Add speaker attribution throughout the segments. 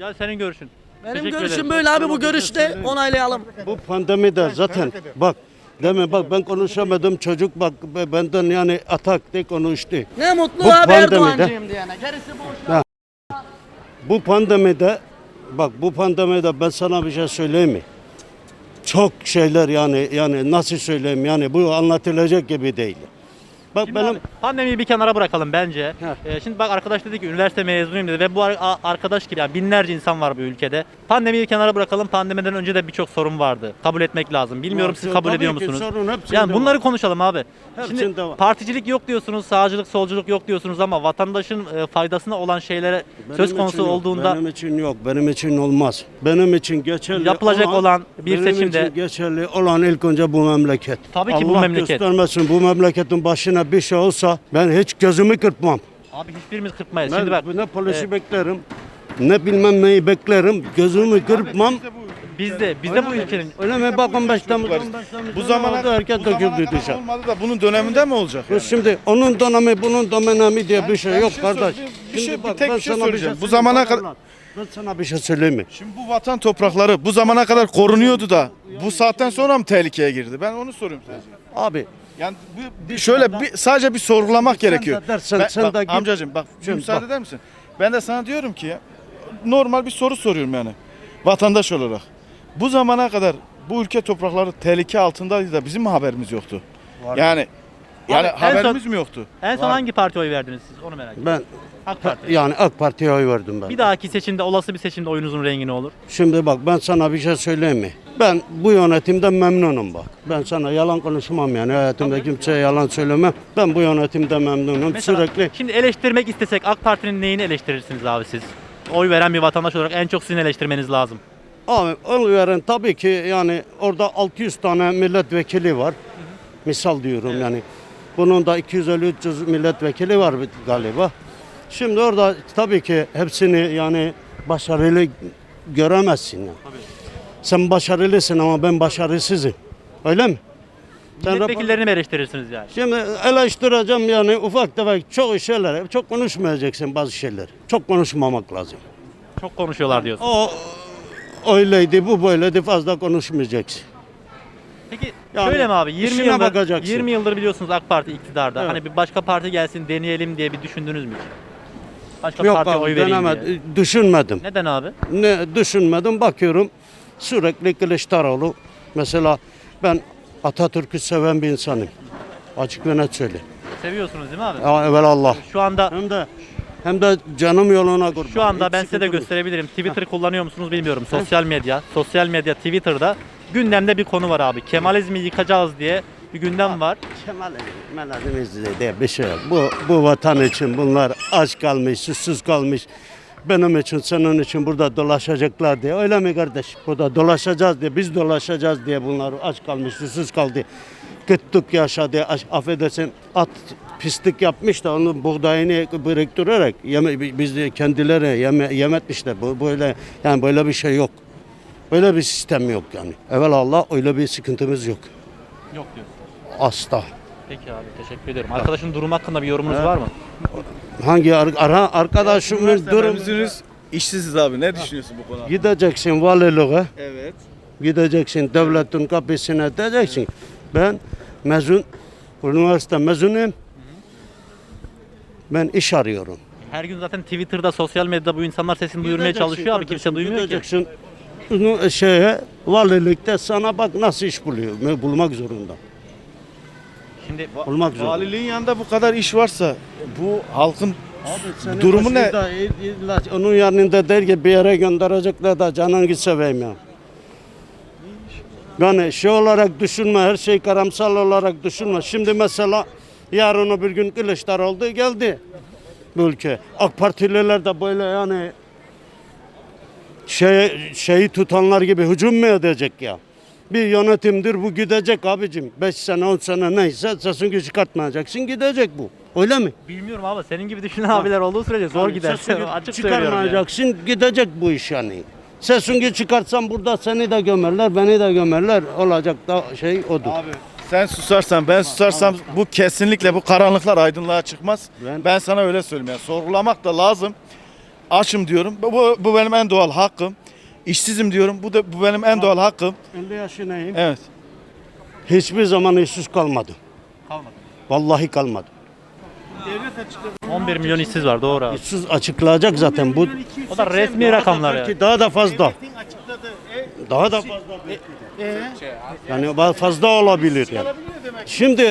Speaker 1: Ya senin görüşün.
Speaker 2: Benim
Speaker 1: Teşekkür
Speaker 2: görüşüm
Speaker 1: ederim.
Speaker 2: böyle abi, bu görüşte onaylayalım.
Speaker 3: Bu pandemide zaten bak deme bak ben konuşamadım çocuk bak benden yani atak de konuştu.
Speaker 2: Ne mutlu
Speaker 3: Bu
Speaker 2: abi
Speaker 3: pandemide-
Speaker 2: Erdoğancıyım diyene. Gerisi boş.
Speaker 3: Ha. Bu pandemide bak bu pandemide ben sana bir şey söyleyeyim mi? Çok şeyler yani nasıl söyleyeyim yani bu anlatılacak gibi değil. Bak
Speaker 1: Şimdi
Speaker 3: benim
Speaker 1: abi, pandemiyi bir kenara bırakalım bence.
Speaker 3: Heh.
Speaker 1: Şimdi bak arkadaş dedi ki üniversite mezunuyum dedi ve bu arkadaş gibi yani binlerce insan var bu ülkede. Pandemiyi bir kenara bırakalım. Pandemiden önce de birçok sorun vardı. Kabul etmek lazım. Bilmiyorum siz kabul
Speaker 3: Tabii
Speaker 1: ediyor
Speaker 3: ki
Speaker 1: musunuz?
Speaker 3: sorun hepsinde
Speaker 1: Yani bunları
Speaker 3: var.
Speaker 1: konuşalım abi.
Speaker 3: Hepsinde
Speaker 1: Şimdi
Speaker 3: var.
Speaker 1: particilik yok diyorsunuz, sağcılık, solculuk yok diyorsunuz ama vatandaşın faydasına olan şeylere söz
Speaker 3: Benim
Speaker 1: konusu
Speaker 3: için yok,
Speaker 1: olduğunda
Speaker 3: benim için yok, benim için olmaz. Benim için geçerli
Speaker 1: Yapılacak olan bir
Speaker 3: benim
Speaker 1: seçimde-
Speaker 3: için geçerli olan ilk önce bu memleket.
Speaker 1: Tabii ki bu
Speaker 3: Allah
Speaker 1: memleket.
Speaker 3: göstermesin bu memleketin başına bir şey olsa ben hiç gözümü kırpmam.
Speaker 1: abi hiçbirimiz kırpmayız.
Speaker 3: Ben
Speaker 1: Şimdi bak
Speaker 3: ne polisi beklerim, ne bilmem neyi beklerim, gözümü kırpmam.
Speaker 1: bizde bu ülkenin
Speaker 3: Öyle mi? Bakın 5 Temmuz,
Speaker 4: Bu zamana
Speaker 3: herkes
Speaker 4: bu zamana
Speaker 3: döküldü
Speaker 4: kadar
Speaker 3: dışarı.
Speaker 4: olmadı da bunun döneminde mi olacak yani?
Speaker 3: Şimdi onun dönemi, bunun dönemi diye bir şey
Speaker 4: ben
Speaker 3: yok
Speaker 4: bir şey
Speaker 3: kardeş.
Speaker 4: söyleyeyim, bir
Speaker 3: Şimdi
Speaker 4: şey- bir
Speaker 3: bak,
Speaker 4: tek
Speaker 3: ben
Speaker 4: bir şey
Speaker 3: sana
Speaker 4: söyleyeceğim. Bu
Speaker 3: söyleyeyim,
Speaker 4: zamana
Speaker 3: bana
Speaker 4: kadar-
Speaker 3: lan. Ben sana bir şey söyleyeyim mi?
Speaker 4: Şimdi bu vatan toprakları bu zamana kadar korunuyordu da bu saatten sonra mı tehlikeye girdi? Ben onu soruyorum sadece.
Speaker 3: Abi
Speaker 4: Yani şöyle sadece bir sorgulamak
Speaker 3: Sen de
Speaker 4: gerekiyor.
Speaker 3: dersen, sen
Speaker 4: bak,
Speaker 3: de git.
Speaker 4: amcacığım bak
Speaker 3: Şimdi
Speaker 4: müsaade
Speaker 3: bak.
Speaker 4: eder misin? Ben de sana diyorum ki normal bir soru soruyorum yani vatandaş olarak. Bu zamana kadar bu ülke toprakları tehlike altındaydı da bizim mi haberimiz yoktu? Yani
Speaker 1: Abi, en
Speaker 4: haberimiz
Speaker 1: son-
Speaker 4: mi yoktu?
Speaker 1: en son hangi partiye oy verdiniz siz? Onu merak ediyorum.
Speaker 3: Ben
Speaker 1: AK Parti.
Speaker 3: yani AK Parti'ye oy verdim ben.
Speaker 1: Bir dahaki seçimde, olası bir seçimde oyunuzun rengi ne olur?
Speaker 3: Şimdi bak ben sana bir şey söyleyeyim mi? Ben bu yönetimden memnunum bak. Ben sana yalan konuşmam yani hayatımda kimseye yalan söylemem. Ben bu yönetimden memnunum
Speaker 1: Mesela
Speaker 3: sürekli.
Speaker 1: şimdi eleştirmek istesek AK Parti'nin neyini eleştirirsiniz abi siz? Oy veren bir vatandaş olarak en çok sizin eleştirmeniz lazım.
Speaker 3: Abi oy veren tabii ki yani orada 600 tane milletvekili var. Misal diyorum yani. Bunun da 250-300 milletvekili var galiba. Şimdi orada tabii ki hepsini yani başarılı göremezsin yani. Sen başarılısın ama ben başarısızım. Öyle mi? Sen
Speaker 1: Milletvekillerini mi eleştirirsiniz yani?
Speaker 3: Şimdi eleştireceğim yani ufak tefek çok şeyler. Çok konuşmayacaksın bazı şeyler. Çok konuşmamak lazım.
Speaker 1: Çok konuşuyorlar diyorsun.
Speaker 3: O öyleydi, bu böyleydi fazla konuşmayacaksın.
Speaker 1: Peki
Speaker 3: Yani
Speaker 1: şöyle mi abi? 20
Speaker 3: işine
Speaker 1: yıldır,
Speaker 3: bakacaksın.
Speaker 1: 20 yıldır biliyorsunuz AK Parti iktidarda.
Speaker 3: Evet.
Speaker 1: Hani bir başka parti gelsin deneyelim diye bir düşündünüz mü hiç? Başka
Speaker 3: Yok
Speaker 1: partiye
Speaker 3: abi
Speaker 1: oy vereyim diye.
Speaker 3: denemedim, düşünmedim.
Speaker 1: Neden abi?
Speaker 3: Ne düşünmedim bakıyorum sürekli Kılıçdaroğlu. Mesela ben Atatürk'ü seven bir insanım. Açık ve net söyleyeyim.
Speaker 1: Seviyorsunuz değil mi abi?
Speaker 3: Ya evvelallah.
Speaker 1: Şu anda
Speaker 3: Hem de canım yoluna kurban.
Speaker 1: Şu anda
Speaker 3: Hiç
Speaker 1: ben size de
Speaker 3: sıkıntı yok.
Speaker 1: gösterebilirim. Twitter kullanıyor musunuz bilmiyorum. Sosyal medya Twitter'da gündemde bir konu var abi. Kemalizmi yıkacağız diye bir gündem var.
Speaker 3: Kemal'imizde diye bir şey yok. Bu vatan için bunlar aç kalmış, susuz kalmış. Benim için, senin için burada dolaşacaklar diye. Öyle mi kardeş? Burada dolaşacağız diye, biz dolaşacağız diye bunlar aç kalmış, susuz kaldı. Kıtlık yaşadı, affedersin at pislik yapmış da onun buğdayını biriktirerek biz de kendileri yemetmişler. Böyle yani böyle bir şey yok. Öyle bir sistem yok yani. Evvelallah öyle bir sıkıntımız yok.
Speaker 1: Yok diyorsun.
Speaker 3: Asla.
Speaker 1: Peki abi teşekkür ederim. Arkadaşın durum hakkında bir yorumunuz var mı?
Speaker 3: Hangi arkadaşımın durum
Speaker 4: işsiziz abi. Ne düşünüyorsun bu konuda?
Speaker 3: gideceksin valiliğe,
Speaker 4: Evet.
Speaker 3: gideceksin devletin kapısına diyeceksin. Ben üniversite mezunuyum. Ben iş arıyorum.
Speaker 1: Her gün zaten Twitter'da, sosyal medyada bu insanlar sesini duyurmaya
Speaker 3: Gideceksin
Speaker 1: çalışıyor abi. Kimse
Speaker 3: kardeşim,
Speaker 1: duymuyor ki.
Speaker 3: gideceksin. Valilikte sana bak nasıl iş buluyor. Bulmak zorunda.
Speaker 1: Şimdi
Speaker 3: Bulmak zorunda.
Speaker 4: Valiliğin yanında bu kadar iş varsa bu halkın
Speaker 3: Senin
Speaker 4: durumu ne?
Speaker 3: başında onun yanında değil ki bir yere gönderecekler de canını seveyim ya. Yani şey olarak düşünme, her şey karamsal olarak düşünme. Şimdi mesela yarın öbür gün Kılıçdaroğlu geldi bu ülke. AK Partililer de böyle yani şeyi tutanlar gibi hücum mu edecek ya? Bir yönetimdir bu gidecek abicim. 5 sene 10 sene neyse sesini çıkartmayacaksın gidecek bu. Öyle mi?
Speaker 1: bilmiyorum abi senin gibi düşünen abiler olduğu sürece zor
Speaker 3: Yani
Speaker 1: gider.
Speaker 3: sesini
Speaker 1: Açık söylüyorum yani.
Speaker 3: çıkarmayacaksın gidecek bu iş yani. Sesini çıkartsan burada seni de gömerler, beni de gömerler. Olacak da şey odur.
Speaker 4: Abi sen susarsan ben susarsam bu kesinlikle bu karanlıklar aydınlığa çıkmaz.
Speaker 3: Ben-
Speaker 4: Ben sana öyle söyleyeyim. Yani sorgulamak da lazım. Açım diyorum. Bu benim en doğal hakkım. İşsizim diyorum. Bu benim en doğal hakkım.
Speaker 3: 50 yaşındayım.
Speaker 4: Evet.
Speaker 3: Hiçbir zaman işsiz kalmadım.
Speaker 1: Kalmadı.
Speaker 3: Vallahi kalmadım.
Speaker 1: 11 milyon işsiz var, doğru abi.
Speaker 3: İşsiz açıklayacak zaten bu.
Speaker 1: O da resmi rakamlar yani.
Speaker 3: Belki daha da fazla. Daha da fazla. Yani fazla olabilir yani. Şimdi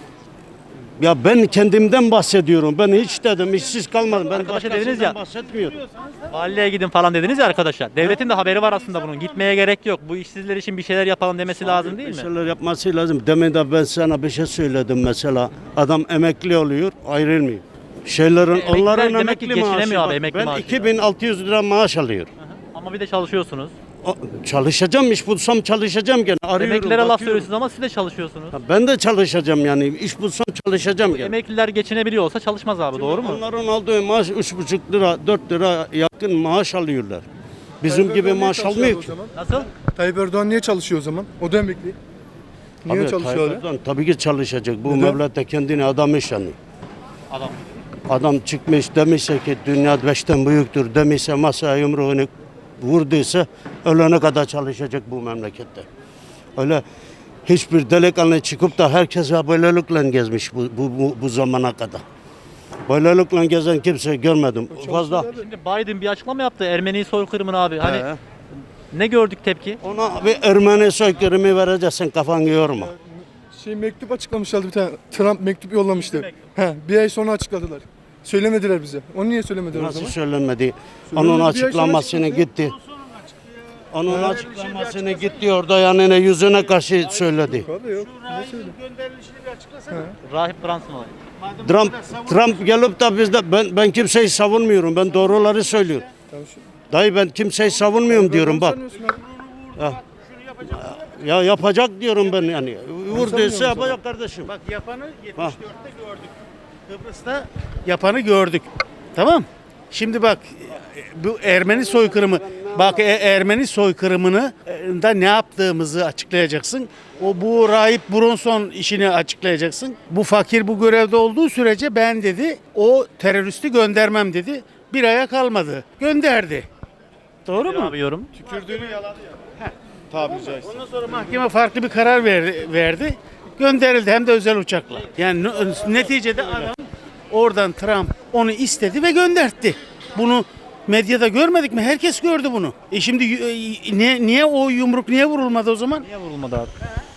Speaker 3: ya ben kendimden bahsediyorum. Ben hiç dedim işsiz kalmadım. Ben
Speaker 1: Arkadaşa dediniz
Speaker 3: başkasından
Speaker 1: ya.
Speaker 3: bahsetmiyorum.
Speaker 1: Valiliğe gidin falan dediniz ya arkadaşlar. Devletin de haberi var aslında bunun. Gitmeye gerek yok. Bu işsizler için bir şeyler yapalım demesi lazım değil
Speaker 3: Bir
Speaker 1: mi?
Speaker 3: şeyler yapması lazım. Demin de ben sana bir şey söyledim mesela. Adam emekli oluyor, ayrılmıyor. Şeylerin
Speaker 1: Emekliler
Speaker 3: onların
Speaker 1: demek ki
Speaker 3: emekli maaşı.
Speaker 1: geçinemiyor abi,
Speaker 3: Bak,
Speaker 1: emekli
Speaker 3: ben
Speaker 1: maaşı.
Speaker 3: 2600 lira maaş alıyorum.
Speaker 1: Ama bir de çalışıyorsunuz.
Speaker 3: Çalışacağım, iş bulsam çalışacağım gene. Arıyorum,
Speaker 1: Emeklilere laf
Speaker 3: bakıyorum.
Speaker 1: söylüyorsunuz ama siz de çalışıyorsunuz.
Speaker 3: Ha, ben de çalışacağım yani. İş bulsam çalışacağım gene.
Speaker 1: Emekliler geçinebiliyor olsa çalışmaz abi, doğru mu?
Speaker 3: Onların aldığı maaş 3,5 lira, 4 lira yakın maaş alıyorlar. Bizim gibi maaş almıyor ki.
Speaker 1: Nasıl?
Speaker 5: Tayyip Erdoğan niye çalışıyor o zaman? O da emekli. Niye
Speaker 3: Tabii,
Speaker 5: çalışıyor
Speaker 3: Tayyip
Speaker 5: öyle?
Speaker 3: Erdoğan tabii ki çalışacak. Bu
Speaker 5: Neden?
Speaker 3: mevlette kendini adamış yani.
Speaker 1: Adam.
Speaker 3: Adam çıkmış demişse ki dünya beşten büyüktür demişse masaya yumruğunu vurduysa ölene kadar çalışacak bu memlekette. Öyle hiçbir delikanlı çıkıp da herkes böylelikle gezmiş bu zamana kadar. Böylelikle gezen kimse görmedim. Fazla.
Speaker 1: Şimdi Biden bir açıklama yaptı. Ermeni soykırımını abi. Hani
Speaker 3: He.
Speaker 1: ne gördük tepki?
Speaker 3: Ona bir Ermeni soykırımı vereceksin, kafanı yorma.
Speaker 5: Mektup açıklamışlardı bir tane. Trump mektup yollamıştı. Bir ay sonra açıkladılar. Söylemediler bize. Onu niye söylemediler o
Speaker 3: Nasıl
Speaker 5: zaman?
Speaker 3: söylenmedi?
Speaker 5: Söylenmedi,
Speaker 3: Onun
Speaker 5: bir ay sonra
Speaker 3: açıklamasını
Speaker 5: açıkladı.
Speaker 3: gitti. Onun açıklamasını gitti orada yani yüzüne karşı söyledi.
Speaker 5: Abi yok. Bize söyle.
Speaker 1: Rahip Brunson olayı.
Speaker 3: Trump gelip de bizde ben kimseyi savunmuyorum. Ben doğruları söylüyorum.
Speaker 5: Tamam,
Speaker 3: Dayı ben kimseyi savunmuyorum diyorum bak.
Speaker 5: Sanıyorsun abi.
Speaker 3: Ya yapacak diyorum ben yani. Vurduysa
Speaker 5: sanmıyorum
Speaker 3: yapacak kardeşim.
Speaker 6: Bak yapanı 74'te gördük. Kıbrıs'ta yapanı gördük. Tamam. Şimdi bak bu Ermeni soykırımı. Bak Ermeni soykırımını da ne yaptığımızı açıklayacaksın. Bu Rahip Bronson işini açıklayacaksın. Bu fakir bu görevde olduğu sürece ben dedi o teröristi göndermem dedi. Bir aya kalmadı. Gönderdi. Doğru mu?
Speaker 1: Abi yorum.
Speaker 4: Tükürdüğünü yaladı ya. Tabiri caizse.
Speaker 6: Ondan sonra mahkeme farklı bir karar verdi. Gönderildi hem de özel uçakla. Yani neticede adam oradan Trump onu istedi ve göndertti. Bunu medyada görmedik mi? Herkes gördü bunu. Şimdi niye o yumruk niye vurulmadı o zaman?
Speaker 1: Niye vurulmadı abi?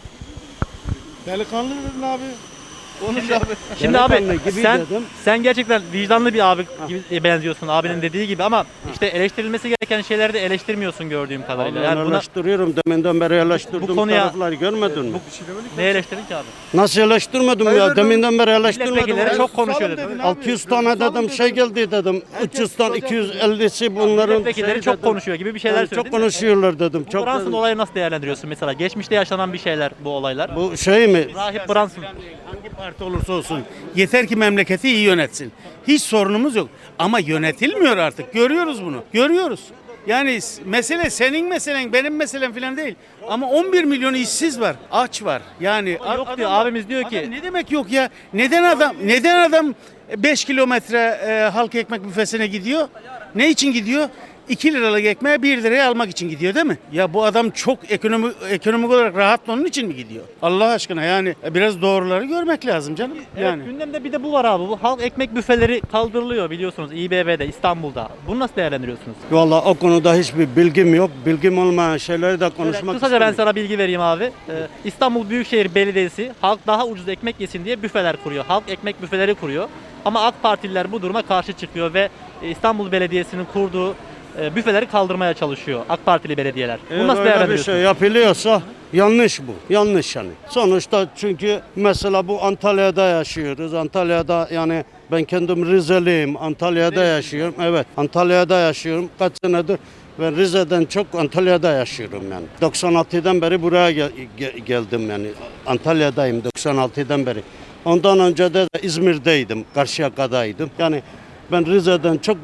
Speaker 4: Delikanlı dedin abi. Konuş abi.
Speaker 1: Şimdi abi
Speaker 3: Delikanlı gibi dedim.
Speaker 1: sen gerçekten vicdanlı bir abi gibi benziyorsun, abinin dediği gibi, ama işte eleştirilmesi gereken şeyleri de eleştirmiyorsun gördüğüm kadarıyla. Yani buna
Speaker 3: eleştiriyorum. Deminden beri eleştirdiğim
Speaker 1: Bu konuya-
Speaker 3: tarafları görmedin mi?
Speaker 1: ne eleştirdin ki abi?
Speaker 3: Nasıl eleştirmedim ya? Deminden beri eleştirmedim.
Speaker 1: Milletvekilleri çok konuşuyor
Speaker 4: Susalım
Speaker 1: dedi.
Speaker 4: dedin.
Speaker 3: 600 tane dedim şey geldi dedim. 300 tane 250'si bunların
Speaker 1: Milletvekilleri
Speaker 3: şey
Speaker 1: çok
Speaker 3: dedim.
Speaker 1: konuşuyor gibi bir şeyler
Speaker 3: Yani
Speaker 1: söyledin.
Speaker 3: çok konuşuyorlar dedim.
Speaker 1: Bu
Speaker 3: Çok
Speaker 1: Brunson
Speaker 3: dedim.
Speaker 1: olayı nasıl değerlendiriyorsun mesela? Geçmişte yaşanan bir şeyler bu olaylar.
Speaker 3: Bu şey mi?
Speaker 1: Rahip Brunson.
Speaker 6: Hangi parti olursa olsun yeter ki memleketi iyi yönetsin. Hiç sorunumuz yok. Ama yönetilmiyor artık. Görüyoruz bunu. Görüyoruz. Yani mesele senin meselen, benim meselem falan değil. Ama 11 milyon işsiz var, aç var. Yani
Speaker 1: Yok diyor, abimiz diyor ki
Speaker 6: adam ne demek yok ya? Neden adam 5 kilometre halk ekmek büfesine gidiyor? Ne için gidiyor? 2 liralık ekmeği 1 liraya almak için gidiyor değil mi? Ya bu adam çok ekonomik olarak rahat onun için mi gidiyor? Allah aşkına yani biraz doğruları görmek lazım canım.
Speaker 1: evet,
Speaker 6: Yani.
Speaker 1: gündemde bir de bu var abi. Bu halk ekmek büfeleri kaldırılıyor biliyorsunuz İBB'de, İstanbul'da. Bunu nasıl değerlendiriyorsunuz?
Speaker 3: Vallahi o konuda hiçbir bilgim yok. Bilgim olmayan şeyleri de konuşmak
Speaker 1: Kısaca ben
Speaker 3: istemiyorum.
Speaker 1: sana bilgi vereyim abi. İstanbul Büyükşehir Belediyesi halk daha ucuz ekmek yesin diye büfeler kuruyor. Halk ekmek büfeleri kuruyor. Ama AK Partililer bu duruma karşı çıkıyor ve İstanbul Belediyesi'nin kurduğu büfeleri kaldırmaya çalışıyor AK Partili belediyeler. Bunu
Speaker 3: Eğer
Speaker 1: nasıl
Speaker 3: öyle bir
Speaker 1: değerlendiriyorsunuz?
Speaker 3: şey yapılıyorsa yanlış bu. Yanlış yani. Sonuçta çünkü mesela bu Antalya'da yaşıyoruz. Antalya'da yani ben kendim Rizeliyim. Antalya'da yaşıyorum. Evet. Antalya'da yaşıyorum. Kaç senedir ben Rize'den çok Antalya'da yaşıyorum yani. 96'dan beri buraya geldim yani. Antalya'dayım 96'dan beri. Ondan önce de İzmir'deydim. Karşıyaka'daydım. Yani ben Rize'den çok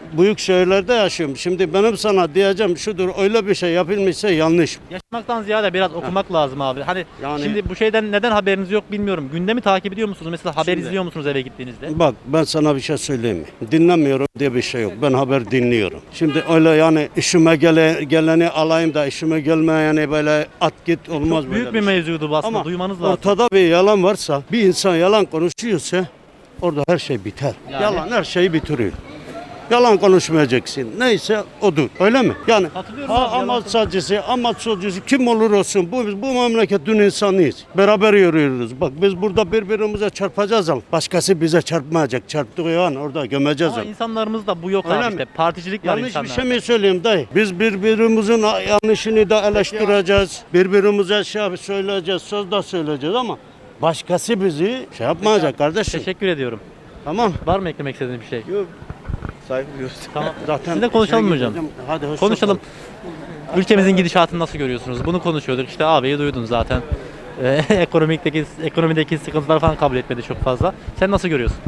Speaker 3: büyük şehirlerde yaşıyorum. Şimdi benim sana diyeceğim şudur, öyle bir şey yapılmışsa yanlış.
Speaker 1: Yaşamaktan ziyade biraz okumak lazım abi. Hani
Speaker 3: Yani-
Speaker 1: şimdi bu şeyden neden haberiniz yok bilmiyorum. Gündemi takip ediyor musunuz? Mesela haber
Speaker 3: Şimdi-
Speaker 1: izliyor musunuz eve gittiğinizde?
Speaker 3: Bak ben sana bir şey söyleyeyim mi? Dinlemiyorum diye bir şey yok. Ben haber dinliyorum. Şimdi öyle yani işime geleni alayım da işime gelmeyeni böyle at git olmaz
Speaker 1: Çok
Speaker 3: böyle
Speaker 1: büyük bir
Speaker 3: şey.
Speaker 1: mevzuydu bu aslında.
Speaker 3: Ama
Speaker 1: Duymanız lazım.
Speaker 3: ortada bir yalan varsa, bir insan yalan konuşuyorsa orada her şey biter.
Speaker 1: Yani-
Speaker 3: Yalan her şeyi bitiriyor. Yalan konuşmayacaksın. Neyse odur. Öyle mi? Yani
Speaker 1: Katılıyorum abi, yalan
Speaker 3: amaç sacısı, amaç solcusu kim olur olsun bu memleketin insanıyız. Beraber yürüyoruz. Bak biz burada birbirimize çarpacağız ama başkası bize çarpmayacak. Çarptığı an orada gömeceğiz
Speaker 1: Ama
Speaker 3: onu.
Speaker 1: insanlarımızda bu yok
Speaker 3: Öyle
Speaker 1: abi
Speaker 3: mi?
Speaker 1: işte. Particilik var
Speaker 3: Yanlış bir
Speaker 1: insanlarda.
Speaker 3: şey mi söyleyeyim dayı? Biz birbirimizin yanlışını da eleştireceğiz. Birbirimize şey söyleyeceğiz, söz de söyleyeceğiz ama başkası bizi şey yapmayacak kardeşim.
Speaker 1: Teşekkür ediyorum.
Speaker 3: Tamam.
Speaker 1: Var mı eklemek istediğiniz bir şey?
Speaker 4: Yok. Saygı duyuyoruz.
Speaker 1: Tamam.
Speaker 3: Zaten
Speaker 1: Sizinle konuşalım mı hocam?
Speaker 3: Hadi hoşça
Speaker 1: Konuşalım.
Speaker 3: kal.
Speaker 1: Ülkemizin gidişatını nasıl görüyorsunuz? Bunu konuşuyorduk. İşte abiyi duydun zaten. Ekonomideki sıkıntılar falan kabul etmedi çok fazla. Sen nasıl görüyorsun?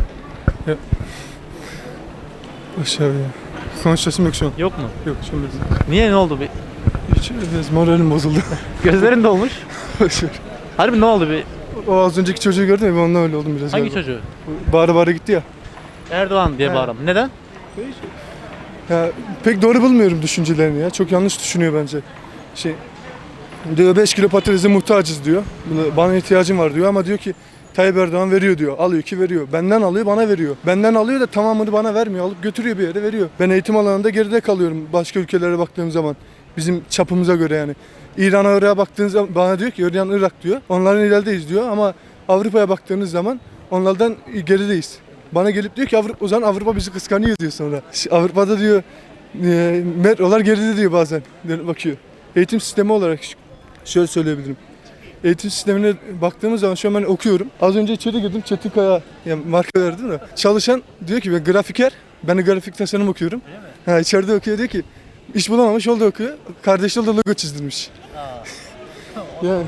Speaker 5: Aşağı ya. Konuşasım yok şu an.
Speaker 1: Yok mu?
Speaker 5: Yok şu an
Speaker 1: Niye, ne oldu? Bir
Speaker 5: hiç biraz moralim bozuldu.
Speaker 1: gözlerin dolmuş.
Speaker 5: Boş ver.
Speaker 1: Harbi ne oldu bir?
Speaker 5: O az önceki çocuğu gördün mü? Ben ondan öyle oldum biraz.
Speaker 1: Hangi
Speaker 5: galiba.
Speaker 1: çocuğu?
Speaker 5: Bağıra bağıra gitti ya.
Speaker 1: Erdoğan diye
Speaker 5: He.
Speaker 1: bağıran. Neden?
Speaker 5: Ya pek doğru bulmuyorum düşüncelerini ya. Çok yanlış düşünüyor bence. Şey diyor 5 kilo patatese muhtacız diyor. Bana ihtiyacım var diyor ama diyor ki Tayyip Erdoğan veriyor diyor. Alıyor ki veriyor. Benden alıyor bana veriyor. Benden alıyor da tamamını bana vermiyor. Alıp götürüyor bir yere veriyor. Ben eğitim alanında geride kalıyorum başka ülkelere baktığım zaman. Bizim çapımıza göre yani. İran'a Irak'a baktığınız zaman bana diyor ki İran Irak diyor. Onların ilerideyiz diyor ama Avrupa'ya baktığınız zaman onlardan gerideyiz. Bana gelip diyor ki o zaman Avrupa bizi kıskanıyor diyor sonra. Avrupa'da diyor metrolar geride diyor bazen. Bakıyor. Eğitim sistemi olarak şöyle söyleyebilirim. Eğitim sistemine baktığımız zaman şu an ben okuyorum. Az önce içeri girdim. Çetinkaya yani marka verdim de. Çalışan diyor ki ben grafiker. Ben de grafik tasarım okuyorum. Ha, içeride okuyor diyor ki iş bulamamış oldu okuyor. Kardeşi de logo çizdirmiş. Yani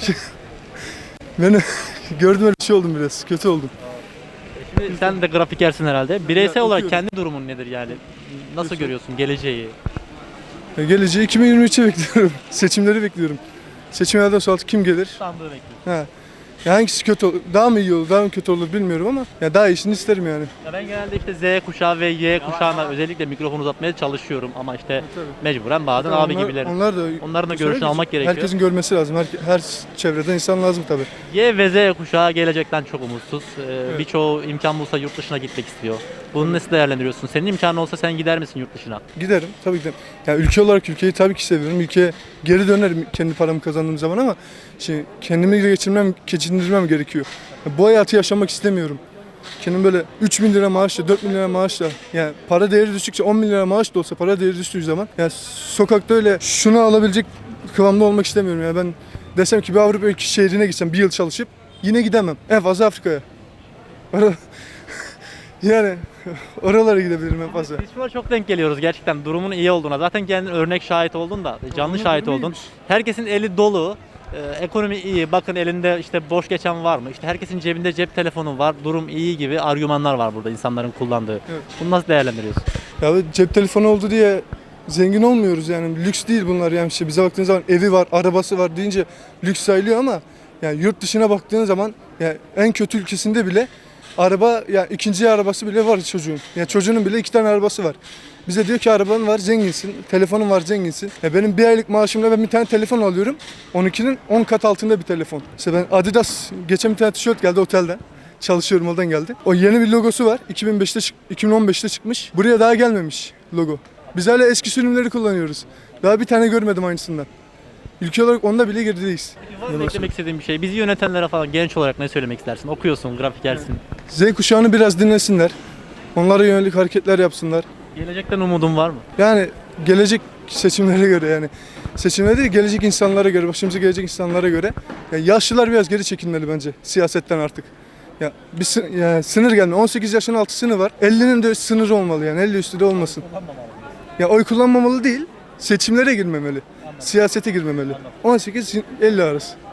Speaker 5: ben gördüm öyle şey oldum biraz. Kötü oldum.
Speaker 1: Şimdi sen de grafikersin herhalde. Bireysel olarak
Speaker 5: okuyorum.
Speaker 1: kendi durumun nedir yani? Nasıl görüyorsun geleceği?
Speaker 5: Geleceği 2023'e bekliyorum. Seçimleri bekliyorum. Seçimlerden sonra kim gelir?
Speaker 1: Sandığı bekliyorsun.
Speaker 5: Ha. Ya hangisi kötü olur? Daha mı iyi olur, daha mı kötü olur bilmiyorum ama ya daha iyisini isterim yani.
Speaker 1: Ya ben genelde işte Z kuşağı ve Y kuşağına özellikle mikrofon uzatmaya çalışıyorum ama işte mecburen bazen abi gibilerin.
Speaker 5: Onlar da
Speaker 1: Onların da görüşünü almak gerekiyor.
Speaker 5: Herkesin görmesi lazım. Her çevreden insan lazım tabii.
Speaker 1: Y ve Z kuşağı gelecekten çok umutsuz. Birçoğu imkan bulsa yurt dışına gitmek istiyor. Bunu nasıl değerlendiriyorsun? Senin imkanın olsa sen gider misin yurt dışına?
Speaker 5: Giderim tabii ki de. Yani ülke olarak ülkeyi tabii ki seviyorum. Ülkeye geri dönerim kendi paramı kazandığım zaman ama kendimi geçindirmem gerekiyor. Bu hayatı yaşamak istemiyorum. Kendim böyle 3 bin lira maaşla, 4 bin lira maaşla yani para değeri düştükçe 10 bin lira maaş da olsa para değeri düştüğü zaman yani sokakta öyle şunu alabilecek kıvamda olmak istemiyorum. Yani ben desem ki bir Avrupa şehrine gitsem bir yıl çalışıp yine gidemem. En fazla Afrika'ya. Yani oralara gidebilirim en fazla.
Speaker 1: Biz şuna çok denk geliyoruz gerçekten durumun iyi olduğuna. Zaten kendin örnek şahit oldun da, canlı
Speaker 5: Onun
Speaker 1: şahit
Speaker 5: durumu
Speaker 1: oldun.
Speaker 5: iyiymiş.
Speaker 1: Herkesin eli dolu. Ekonomi iyi. Bakın elinde işte boş geçen var mı? İşte herkesin cebinde cep telefonu var. Durum iyi gibi argümanlar var burada insanların kullandığı.
Speaker 5: Evet.
Speaker 1: Bunu nasıl değerlendiriyorsun?
Speaker 5: Ya cep telefonu oldu diye zengin olmuyoruz yani lüks değil bunlar yani işte bize baktığınız zaman evi var, arabası var deyince lüks sayılıyor ama yani yurt dışına baktığın zaman yani en kötü ülkesinde bile araba yani ikinci arabası bile var çocuğun. Yani çocuğunun bile 2 tane arabası var. Bize diyor ki araban var zenginsin, telefonun var zenginsin. Ya benim bir aylık maaşımla ben bir tane telefon alıyorum. 12'nin 10 kat altında bir telefon. İşte ben Adidas geçen bir tane tişört geldi otelden. Çalışıyorum oradan geldi. O yeni bir logosu var. 2015'te çıkmış. Buraya daha gelmemiş logo. Biz hala eski sürümleri kullanıyoruz. Daha bir tane görmedim aynısından. Ülke olarak onda bile gerideyiz.
Speaker 1: Var mı eklemek istediğin bir şey? Bizi yönetenlere falan genç olarak ne söylemek istersin? Okuyorsun, grafikersin.
Speaker 5: Z kuşağını biraz dinlesinler. Onlara yönelik hareketler yapsınlar.
Speaker 1: Gelecekten umudun var mı?
Speaker 5: Yani gelecek seçimlere göre yani seçimlere değil gelecek insanlara göre başımıza gelecek insanlara göre yani yaşlılar biraz geri çekilmeli bence siyasetten artık. Ya bir yani sınır gelme 18 yaşın altı sınır var 50'nin de sınırı olmalı yani 50 üstü de olmasın. Ya oy kullanmamalı değil seçimlere girmemeli. Siyasete girmemeli. 18-50 arası.